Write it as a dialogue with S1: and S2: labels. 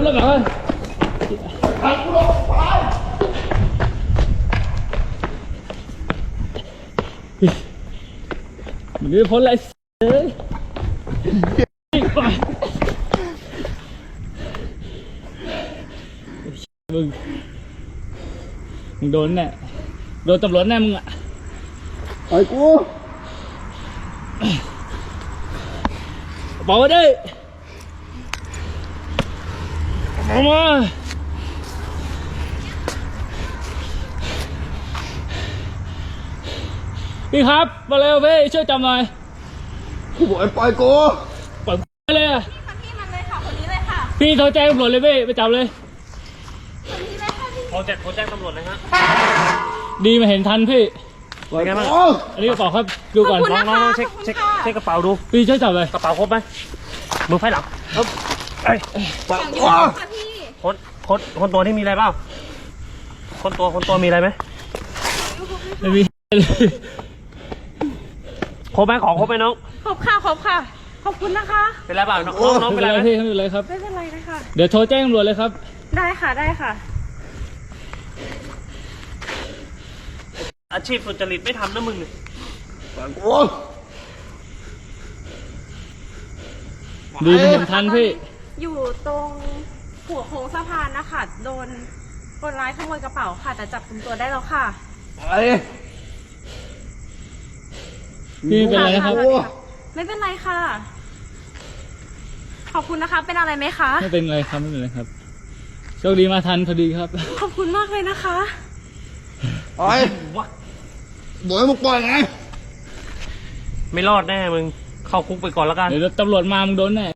S1: แล้วเหรอมึงไม่พ้นอะไรเลยมึงโดนแน่โดนตำรวจแน่มึงอ่ะปล่อยกูบอกมาดิเอามาพี่ครับมาเร็วพี่ช่วยจับหน่อยกูบอกให้ปล่อยกูปล่อยเลยอ่ะ
S2: พี่มันเลยค่ะคนนี้เลยค่ะ
S1: พี่โทรแจ้งตำรวจเลยพี่ไปจับเลย
S2: คนนี้เลยค่ะพี่
S3: โทรแจ้งตำรวจเลยฮะ
S1: ดีมาเห็นทันพี่
S3: เป็นไงบ้าง
S1: อันนี้กระเป๋าครับดูก่อน
S3: น้องเช็คกระเป๋าดู
S1: พี่ช่วยจับเลย
S3: กระเป๋าครบไหมมือไฟหลังไอ้คนตัวที่มีอะไรเปล่าคนตัวมีอะไรไหม
S1: ไม่มี
S3: ครบไหมของครบไหมน้อง
S2: ครบค่ะขอบคุณนะคะ
S3: เป็นไรเปล่าน้องเป็นไรไหม
S1: พี่ไม่เป็นไรครับ
S2: ไม่เป็นไรนะคะ
S1: เดี๋ยวโทรแจ้งตำรวจเลยครับ
S2: ได้ค่ะ
S3: อาชีพสุจริตไม่ทำนะมึงเนี่ย
S1: ดีมาเห็นทันพี่
S2: อยู่ตรงหัวโค้งสะพานนะคะโดนคนร้ายขโมยกระเป๋าค่ะแต่จับกุมตัวได้แล้วค่ะ
S1: พี่เป็นไรนะครับ
S2: ไม่เป็นไรค่ะขอบคุณนะคะเป็นอะไรไหมคะ
S1: ไม่เป็นไรครับไม่เป็นไรครับโชคดีมาทันพอดีครับ
S2: ขอบคุณมากเลยนะคะ
S4: ปล่อยบอกให้มึงปล่อยไง
S3: ไม่รอดแน่มึงเข้าคุกไปก่อนแล้วกัน
S1: เดี๋ยวตำรวจมามึงโดนแน่